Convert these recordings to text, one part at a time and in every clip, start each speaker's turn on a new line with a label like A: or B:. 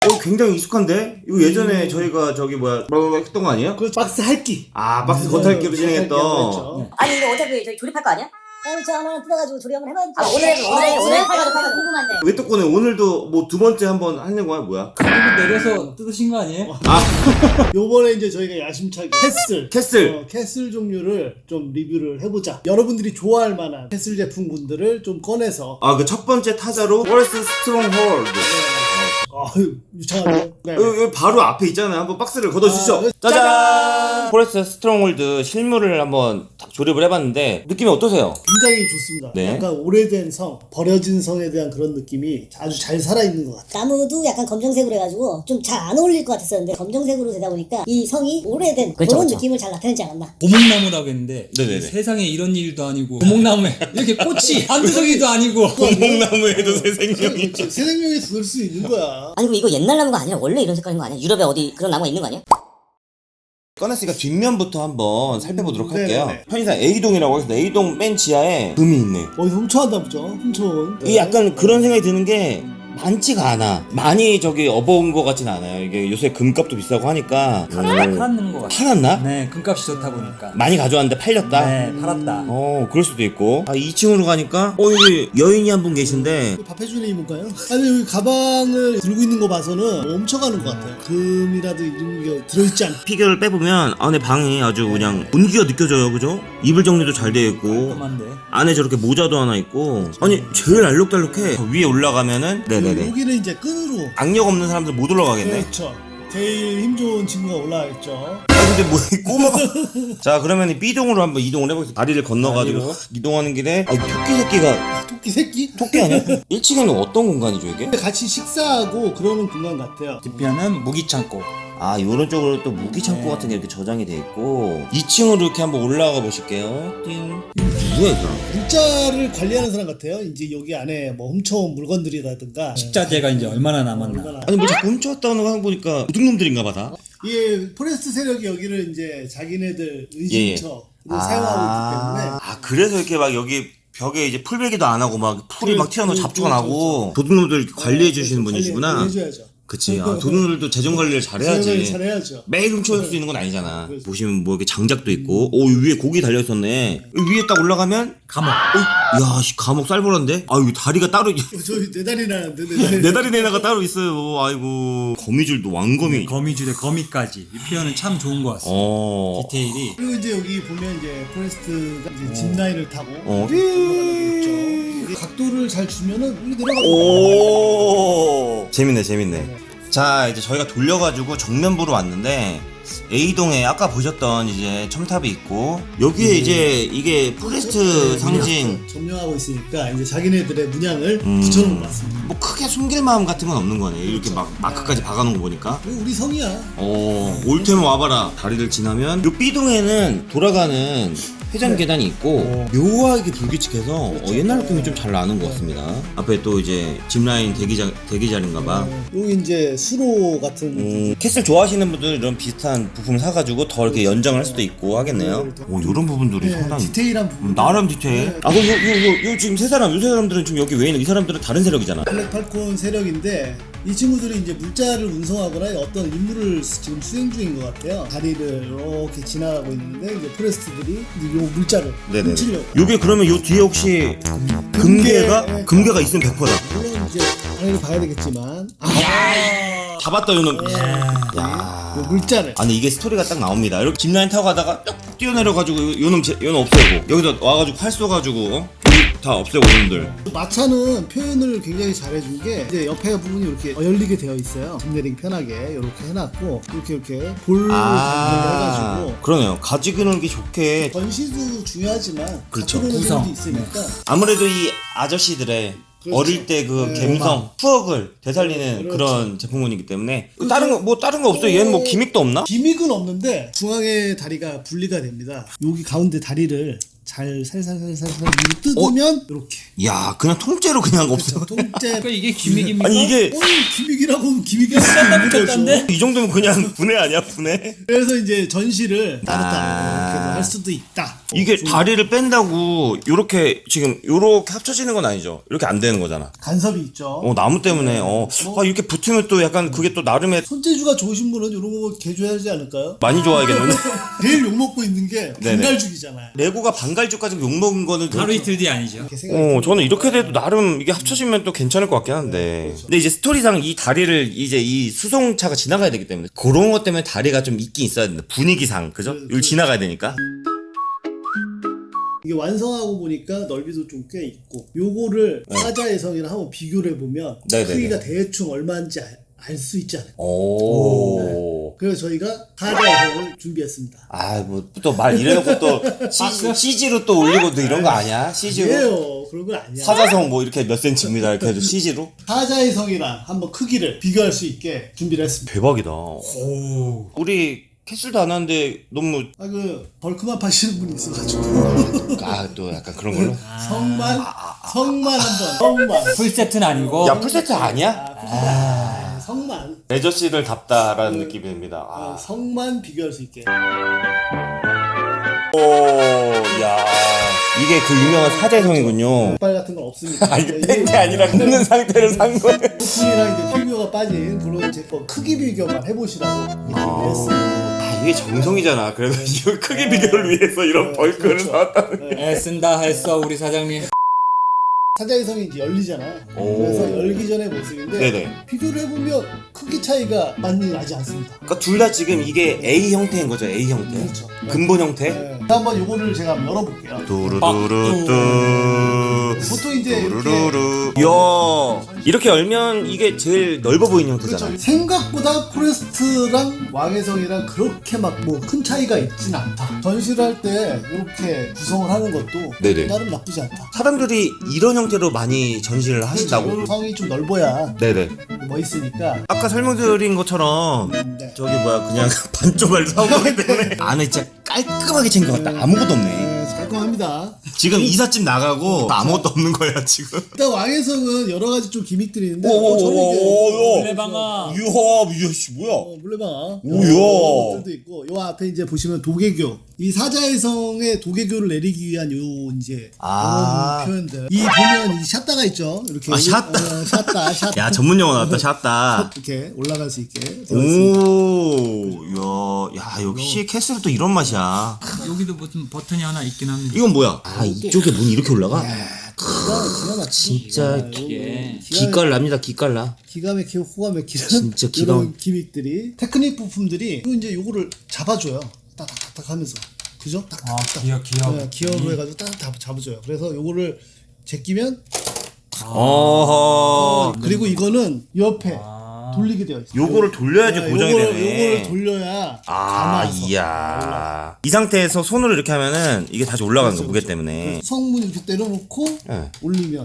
A: 굉장히 익숙한데? 이거 예전에 저희가 저기 뭐야 했던 거 아니에요?
B: 그 박스 할기.
A: 아 박스 겉핥기로 진행했던.
C: 아니 이거 어차피 저희 조립할 거 아니야?
D: 저 하나 뜯어가지고 조리 한번 해봐야지.
C: 오늘
D: 팔가지고 궁금한데.
A: 왜 또 꺼내? 오늘도 뭐 두 번째 한번 하는 거야 뭐야?
E: 그리고 내려서 뜯으신 거 아니에요?
B: 요번에 이제 저희가 야심차게
A: 캐슬
B: 캐슬 종류를 좀 리뷰를 해보자. 여러분들이 좋아할 만한 캐슬 제품군들을 좀 꺼내서.
A: 그 첫 번째 타자로 포레스트 스트롱홀드.
B: 아유 유창하네요. 네.
A: 여기 바로 앞에 있잖아요. 한번 박스를 걷어주시죠. 짜잔! 포레스트 스트롱홀드 실물을 한번 딱 조립을 해봤는데 느낌이 어떠세요?
B: 굉장히 좋습니다.
A: 네.
B: 약간 오래된 성, 버려진 성에 대한 그런 느낌이 아주 잘 살아있는 것 같아요.
D: 나무도 약간 검정색으로 해가지고 좀 잘 안 어울릴 것 같았었는데 검정색으로 되다 보니까 이 성이 오래된 그런 느낌을 잘 나타내지 않았나.
E: 고목나무라고 했는데
A: 네네네.
E: 세상에 이런 일도 아니고 고목나무에 이렇게 꽃이 한두 송이도 아니고
A: 고목나무에도 새 생명이.
B: 새 생명이 들 수 있는 거야.
C: 아니 이거 옛날 나무가 아니라 원래 이런 색깔인 거 아니야? 유럽에 어디 그런 나무가 있는 거 아니야?
A: 꺼냈으니까 뒷면부터 한번 살펴보도록 할게요.
B: 네네네.
A: 편의상 A동이라고 해서 A동 맨 지하에 금이 있네.
B: 어디서 훔쳐왔나 보죠. 훔쳐온.
A: 이게 약간 그런 생각이 드는 게 많지가 않아. 많이 저기 업어온 것 같진 않아요. 이게 요새 금값도 비싸고 하니까.
E: 팔았는 거 같아요.
A: 팔았나?
E: 네, 금값이 좋다 보니까.
A: 많이 가져왔는데 팔렸다?
E: 네, 팔았다.
A: 그럴 수도 있고. 2층으로 가니까 여기 여인이 한 분 계신데
B: 밥 해주는 이모인가요? 아니 여기 가방을 들고 있는 거 봐서는 뭐 훔쳐가는 것 같아요. 금이라도 이런 게 들어있지 않.
A: 피규어를 빼보면 안에 방이 아주 그냥 온기가 느껴져요. 그죠? 이불 정리도 잘 되어 있고
E: 깔끔한데.
A: 안에 저렇게 모자도 하나 있고 아니 제일 알록달록해. 위에 올라가면은 네네네
B: 여기는 이제 끈으로.
A: 악력 없는 사람들 못 올라가겠네.
B: 그렇죠. 제일 힘 좋은 친구가 올라와 있죠.
A: 근데 뭐 이 꼬마가 자 그러면 이 B동으로 한번 이동을 해보겠습니다. 다리를 건너가지고 이동하는 길에 토끼 새끼가
B: 토끼 새끼?
A: 토끼 아니야? 1층에는 어떤 공간이죠 이게?
B: 같이 식사하고 그러는 공간 같아요.
E: 뒷면은 무기창고.
A: 요런 쪽으로 또 무기 창고 같은 게 이렇게 저장이 돼 있고 2층으로 이렇게 한번 올라가 보실게요. 띵. 누구야 이 사람?
B: 물자를 관리하는 사람 같아요. 이제 여기 안에 뭐 훔쳐온 물건들이라든가.
E: 식자재가 이제 얼마나 남았나.
B: 얼마나.
A: 아니 뭐 자꾸 훔쳐왔다는 거 보니까 도둑놈들인가 봐 다.
B: 이 포레스트 세력이 여기를 이제 자기네들 의심처로 사용하고 있기 때문에.
A: 그래서 이렇게 막 여기 벽에 이제 풀베기도 안 하고 막 풀이 막 튀어나와 잡초가
B: 그렇죠,
A: 나고 도둑놈들 이렇게 관리해 주시는 분이시구나.
B: 관리해줘야죠.
A: 그치. 도둑놈들도 재정 관리를 잘해야지.
B: 잘해야죠.
A: 매일 훔쳐올 수 있는 건 아니잖아.
B: 그렇죠.
A: 보시면 뭐 이렇게 장작도 있고, 위에 고기 달려 있었네. 위에 딱 올라가면
E: 감옥.
A: 야, 감옥 쌀벌한데? 여기 다리가 따로
B: 저희 네 다리 나는데
A: 네 다리 내나가 따로 있어요. 아이고 거미줄도 왕거미.
E: 거미줄에 거미까지. 이 표현은 참 좋은 것 같습니다. 디테일이.
B: 그리고 이제 여기 보면 이제 포레스트가 이제 짚라인을 타고
A: 어.
B: 올라가고 있죠. 각도를 잘 주면은 여기 내려가고.
A: 재밌네. 자 이제 저희가 돌려가지고 정면부로 왔는데 A동에 아까 보셨던 이제 첨탑이 있고 여기에 이제 이게 포레스트 상징
B: 점령하고 있으니까 이제 자기네들의 문양을 붙여놓은 것 같습니다.
A: 뭐 크게 숨길 마음 같은 건 없는 거네. 이렇게 막 마크까지 박아놓은 거 보니까.
B: 이거 우리 성이야.
A: 올 테면 와봐라. 다리를 지나면 요 B동에는 돌아가는 회전 계단이 있고 묘하게 불규칙해서 옛날 느낌이 좀 잘 나는 것 같습니다. 앞에 또 이제 짚라인 대기자리인가봐.
B: 여기 이제 수로 같은.
A: 캐슬 좋아하시는 분들 이런 비슷한 부품 사가지고 더 이렇게 연장을 할 수도 있고 하겠네요. 이런 부분들이 상당히
B: 디테일한 부분.
A: 나름 디테일. 그럼 요 지금 요 세 사람들은 지금 여기 왜 있는 이 사람들은 다른 세력이잖아.
B: 블랙 팔콘 세력인데 이 친구들이 이제 물자를 운송하거나 어떤 임무를 지금 수행 중인 것 같아요. 다리를 이렇게 지나가고 있는데 이제 포레스트들이 이제 요 물자를 훔치려고.
A: 요게 그러면 요 뒤에 혹시 금괴가 있으면 100%다.
B: 물론 이제 당연히 봐야 되겠지만.
A: 잡았다 요놈.
B: 요 물자를.
A: 아니 이게 스토리가 딱 나옵니다. 이렇게 짚라인 타고 가다가 뚝 뛰어내려가지고 요놈 없애고 여기다 와가지고 활 쏘가지고 다 없애고 요놈들.
B: 마차는 표현을 굉장히 잘해준 게 이제 옆에 부분이 이렇게 열리게 되어 있어요. 집 내리기 편하게 이렇게 해놨고 이렇게 볼 해가지고.
A: 그러네요. 가지고 놀기 좋게.
B: 전시도 중요하지만
A: 그렇죠.
B: 구성도 있으니까.
A: 아무래도 이 아저씨들의
B: 그렇죠.
A: 어릴 때 그 감성, 추억을 되살리는
B: 그렇죠.
A: 그런 제품군이기 때문에 다른 거 없어요. 얘는 뭐 기믹도 없나?
B: 기믹은 없는데 중앙에 다리가 분리가 됩니다. 여기 가운데 다리를 잘 살살살살살 위로 뜯으면 이렇게.
A: 야, 그냥 통째로 그냥 없어.
B: 통째.
E: 그러니까 이게 기믹입니까?
A: 아니 이게
B: 기믹이라고 기믹이라고 하는 거죠.
A: 이 정도면 그냥 분해 아니야, 분해?
B: 그래서 이제 전시를 따로따로
A: 아.
B: 이렇게도 할 수도 있다.
A: 이게 다리를 뺀다고 요렇게 지금 요렇게 합쳐지는 건 아니죠. 이렇게 안 되는 거잖아.
B: 간섭이 있죠.
A: 나무 때문에 이렇게 붙으면 또 약간 그게 또 나름의
B: 손재주가 좋으신 분은 이런 거 개조해야 하지 않을까요?
A: 많이 좋아야겠는데.
B: 제일 욕먹고 있는 게
A: 네네.
B: 반갈죽이잖아요.
A: 레고가 반갈죽 가지고 욕먹은 거는
E: 하루 이틀 뒤 아니죠.
B: 이렇게 생각이
A: 저는 이렇게 돼도 나름 이게 합쳐지면 또 괜찮을 것 같긴 한데. 근데 이제 스토리상 이 다리를 이제 이 수송차가 지나가야 되기 때문에 그런 것 때문에 다리가 좀 있긴 있어야 된다. 분위기상, 그죠? 여기 지나가야 되니까.
B: 이게 완성하고 보니까 넓이도 좀 꽤 있고 요거를 사자해성이랑 한번 비교를 해보면
A: 네네네.
B: 크기가 대충 얼마인지 알 수 있지 않을까.
A: 오.
B: 그래서 저희가 사자해성을 준비했습니다.
A: 뭐 또 말 이래놓고 또 CG로 또 올리고 또 이런 거 아니야? CG로?
B: 아니에요. 그런 건 아니야.
A: 사자성 뭐 이렇게 몇 센치입니다. 이렇게 해도 CG로?
B: 사자해성이랑 한번 크기를 비교할 수 있게 준비를 했습니다.
A: 대박이다. 우리 캐슬도 안 하는데 너무
B: 벌크만 파시는 분이 있어가지고
A: 또 약간 그런 걸로?
B: 성만 한번 성만
E: 풀세트는 아니고.
A: 야, 풀세트 아니야?
B: 성만
A: 레저씬을 답다라는 느낌이 듭니다.
B: 성만 비교할 수 있게.
A: 야, 이게 그 유명한 사자성이군요.
B: 빨 같은 건 없습니다.
A: 이게 뺀게 아니라 있는 상태를 산 거예요.
B: 부품이랑 이제 피규어가 빠진 그런 제품 크기 비교만 해보시라고 이렇게 준비를 했습니다.
A: 이게 정성이잖아. 그래가지고 크기 비교를 위해서 이런 벌크를
B: 그렇죠.
A: 사왔다는.
E: 애쓴다 했어 우리 사장님.
B: 사자해성이 이제 열리잖아요.
A: 오.
B: 그래서 열기 전의 모습인데
A: 네네.
B: 비교를 해보면 크기 차이가 많이 나지 않습니다.
A: 그러니까 둘 다 지금 이게 A 형태인 거죠. A 형태.
B: 그렇죠.
A: 근본 형태.
B: 네. 한번 요거를 제가 한번 열어볼게요.
A: 두루두루뚜.
B: 보통 이제 이렇게
A: 두루루루. 이야, 이렇게 열면 이게 제일 넓어 보이는 형태잖아요.
B: 그렇죠. 생각보다 포레스트랑 왕해성이랑 그렇게 막 뭐 큰 차이가 있진 않다. 전시를 할 때 이렇게 구성을 하는 것도
A: 네네.
B: 나름 나쁘지 않다.
A: 사람들이 이런 형태로 많이 전시를 하신다고?
B: 그렇죠. 성이 좀 넓어야
A: 네네.
B: 멋있으니까.
A: 아까 설명드린 것처럼
B: 네.
A: 저기 뭐야 그냥 반쪽을 사오기 때문에 안에 진짜 깔끔하게 챙겨갔다. 아무것도 없네.
B: 네, 깔끔합니다.
A: 지금 이삿짐 나가고 아무것도 없는 거야 지금.
B: 일단 왕해성은 여러 가지 좀 기믹들이 있는데 저는
E: 물레방아.
A: 이야 씨 뭐야?
B: 물레방아
A: 오야.
B: 들도 있고 요 앞에 이제 보시면 도개교, 이 사자해성의 도개교를 내리기 위한 요 이제
A: 아.
B: 이런 표현들. 이 보면 이 샷다가 있죠. 이렇게
A: 샷다.
B: 샷다.
A: 야 전문 용어 나왔다 샷다.
B: 이렇게 올라갈 수 있게 되어 있습니다.
A: 오, 야 역시 캐슬은 또 이런 맛이야.
E: 여기도 무슨 버튼이 하나 있긴 합니다.
A: 이건 뭐야? 이쪽에 문이 이렇게 올라가?
B: 기가 막히지.
A: 진짜
E: 이게
A: 기깔 납니다. 기깔 나.
B: 기가 막히고 호가 막히는
A: 진짜 기가
B: 이런 기믹들이, 테크닉 부품들이 또 이제 요거를 잡아줘요. 딱딱딱 하면서, 그죠? 딱딱딱.
E: 기어.
B: 네, 기어로 해가지고 딱 잡아줘요. 그래서 요거를 제끼면
A: 어허.
B: 그리고 이거는 옆에 돌리게 되어 있어요.
A: 요거를 돌려야지 고정이 되네.
B: 요거를 돌려야 감아서
A: 이야. 이 상태에서 손으로 이렇게 하면은 이게 다시 올라가는 거 무게 때문에.
B: 성문 이렇게 때려놓고
A: 네.
B: 올리면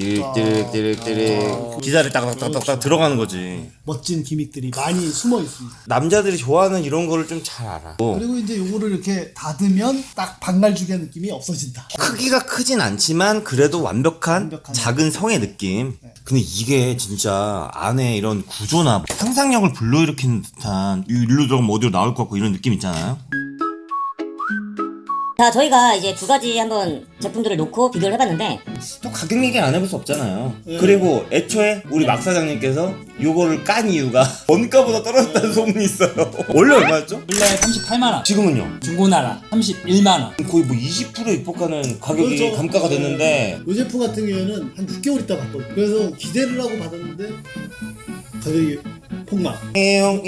A: 띠릭 기사를 딱딱딱딱 들어가는 거지.
B: 멋진 기믹들이 많이 숨어 있습니다.
A: 남자들이 좋아하는 이런 거를 좀 잘 알아.
B: 그리고 이제 요거를 이렇게 닫으면 딱 반갈죽의 느낌이 없어진다.
A: 크기가 크진 않지만 그래도 완벽한
B: 완벽한
A: 작은 성의 느낌. 근데 이게 진짜 안에 이런 구조나 상상력을 불러일으키는 듯한 일로 들어가면 어디로 나올 것 같고 이런 느낌 있잖아요.
C: 자, 저희가 이제 두 가지 한번 제품들을 놓고 비교를 해봤는데
A: 또 가격 얘기 안 해볼 수 없잖아요. 그리고 애초에 우리 막 사장님께서 요거를 깐 이유가 원가보다 떨어졌다는 소문이 있어요. 원래 얼마였죠?
E: 원래 38만원.
A: 지금은요?
E: 중고나라 31만원.
A: 거의 뭐 20% 입복하는 가격이
B: 그렇죠.
A: 감가가 됐는데
B: 요 제품 같은 경우에는 한 6개월 있다 봤거든요. 그래서 기대를 하고 받았는데 가격이 폭락.
A: 이용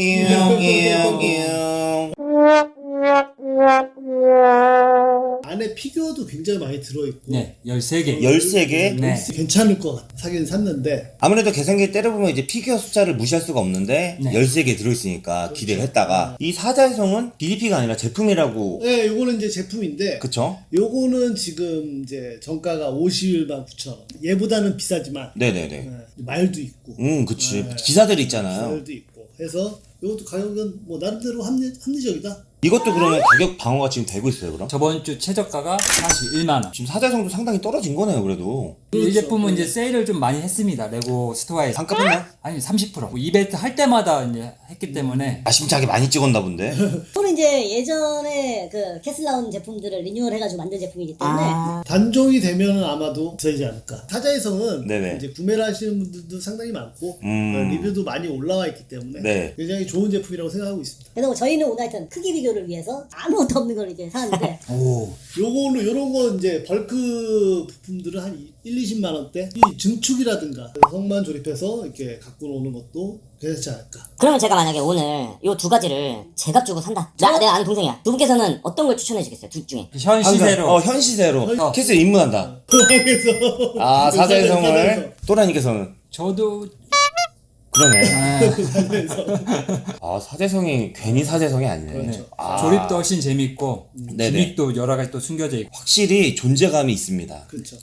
B: 안에 피규어도 굉장히 많이 들어있고
E: 네, 13개.
A: 13개?
E: 네.
B: 괜찮을 것 같아. 사긴 샀는데
A: 아무래도 계산기 때려보면 이제 피규어 숫자를 무시할 수가 없는데
E: 네.
A: 13개 들어있으니까 기대를 했다가 이 사자성은 DDP가 아니라 제품이라고.
B: 네, 요거는 이제 제품인데
A: 그쵸?
B: 요거는 지금 이제 정가가 51만 9천 원. 얘보다는 비싸지만
A: 네네네.
B: 네, 말도 있고
A: 그치. 기사들이 있잖아요.
B: 말도 있고 해서 요것도 가격은 뭐 나름대로 합리적이다.
A: 이것도 그러면 가격 방어가 지금 되고 있어요 그럼?
E: 저번 주 최저가가 41만원.
A: 지금 사자성도 상당히 떨어진 거네요 그래도.
E: 이 제품은 이제 세일을 좀 많이 했습니다. 레고 스토어에서.
A: 반값했나요?
E: 아니 30%. 이벤트 할 때마다 이제 했기 때문에
A: 아심차게 많이 찍었나 본데.
D: 저는 이제 예전에 그 캐슬 나온 제품들을 리뉴얼 해가지고 만든 제품이기 때문에
B: 단종이 되면은 아마도 없어지지 않을까. 사자의 성은
A: 네네.
B: 이제 구매를 하시는 분들도 상당히 많고 리뷰도 많이 올라와 있기 때문에
A: 네.
B: 굉장히 좋은 제품이라고 생각하고 있습니다.
D: 그래서 저희는 오늘 하여튼 크기 비교를 위해서 아무것도 없는 걸 이제 사는데
E: 오.
B: 요걸로 요런 거 이제 벌크 부품들은 한 1-20만 원대. 이 증축이라든가 성만 조립해서 이렇게 갖고 오는 것도 괜찮지 않을까.
C: 그러면 제가 만약에 오늘 요 두 가지를 제값 주고 산다. 내가 아는 동생이야. 두 분께서는 어떤 걸 추천해 주겠어요? 둘 중에.
E: 현 시세로.
A: 현 시세로. 캐슬 입문한다.
B: 그래서
A: 아 사자의 성을. 또라니께서는.
E: 저도
A: 그러네. 아 사자성이 괜히 사자성이 아니네.
B: 그렇죠.
A: 아,
E: 조립도 훨씬 재밌고
A: 네네.
E: 기믹도 여러 가지 또 숨겨져 있고.
A: 확실히 존재감이 있습니다.
B: 그렇죠.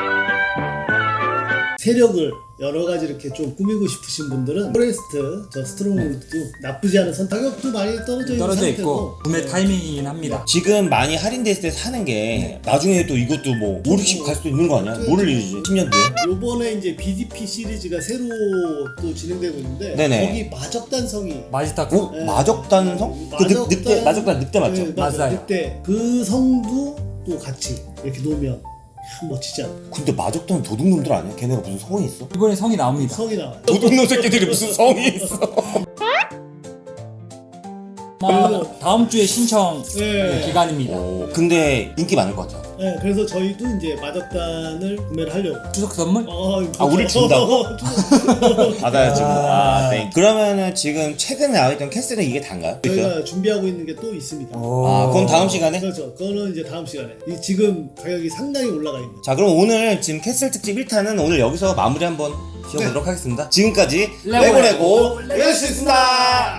B: 세력을 여러 가지 이렇게 좀 꾸미고 싶으신 분들은 포레스트 저 스트롱도 나쁘지 않은 가격도 많이 떨어져 있는
E: 떨어져
B: 상태고
E: 있고 구매 타이밍이긴 합니다.
A: 지금 많이 할인돼 있을 때 사는 게 나중에 또 이것도 뭐 5, 60 갈 수도 있는 거 아니야? 모를 일이지. 10년 뒤에.
B: 요번에 이제 BDP 시리즈가 새로 또 진행되고 있는데
A: 네네.
B: 거기 마적단성이
E: 마지타크.
A: 어? 마적단성? 그 늑대 마적단 늑대 맞죠?
B: 네, 맞아요.
E: 맞아요.
B: 늑대 그 성도 또 같이 이렇게 놓으면 참 멋지지 않나.
A: 근데 마적단 도둑놈들 아니야? 걔네가 무슨 성이 있어?
E: 이번에 성이 나옵니다.
B: 성이 나와요.
A: 도둑놈 새끼들이 무슨 성이 있어?
E: 다음 주에 신청
B: 네.
E: 기간입니다.
A: 근데 인기 많을 것 같아.
B: 네, 그래서 저희도 이제 마적단을 구매를 하려고.
E: 추석 선물?
A: 아, 우리 준다고? 받아야지.
E: 아.
A: 네. 그러면은 지금 최근에 나와있던 캐슬은 이게 단가요?
B: 저희가 준비하고 있는 게 또 있습니다.
A: 아, 그건 다음 시간에?
B: 그렇죠. 그거는 이제 다음 시간에. 지금 가격이 상당히 올라가 있는.
A: 자, 그럼 오늘 지금 캐슬 특집 1탄은 오늘 여기서 마무리 한번 지어보도록 하겠습니다. 지금까지 레고레고 레고였습니다.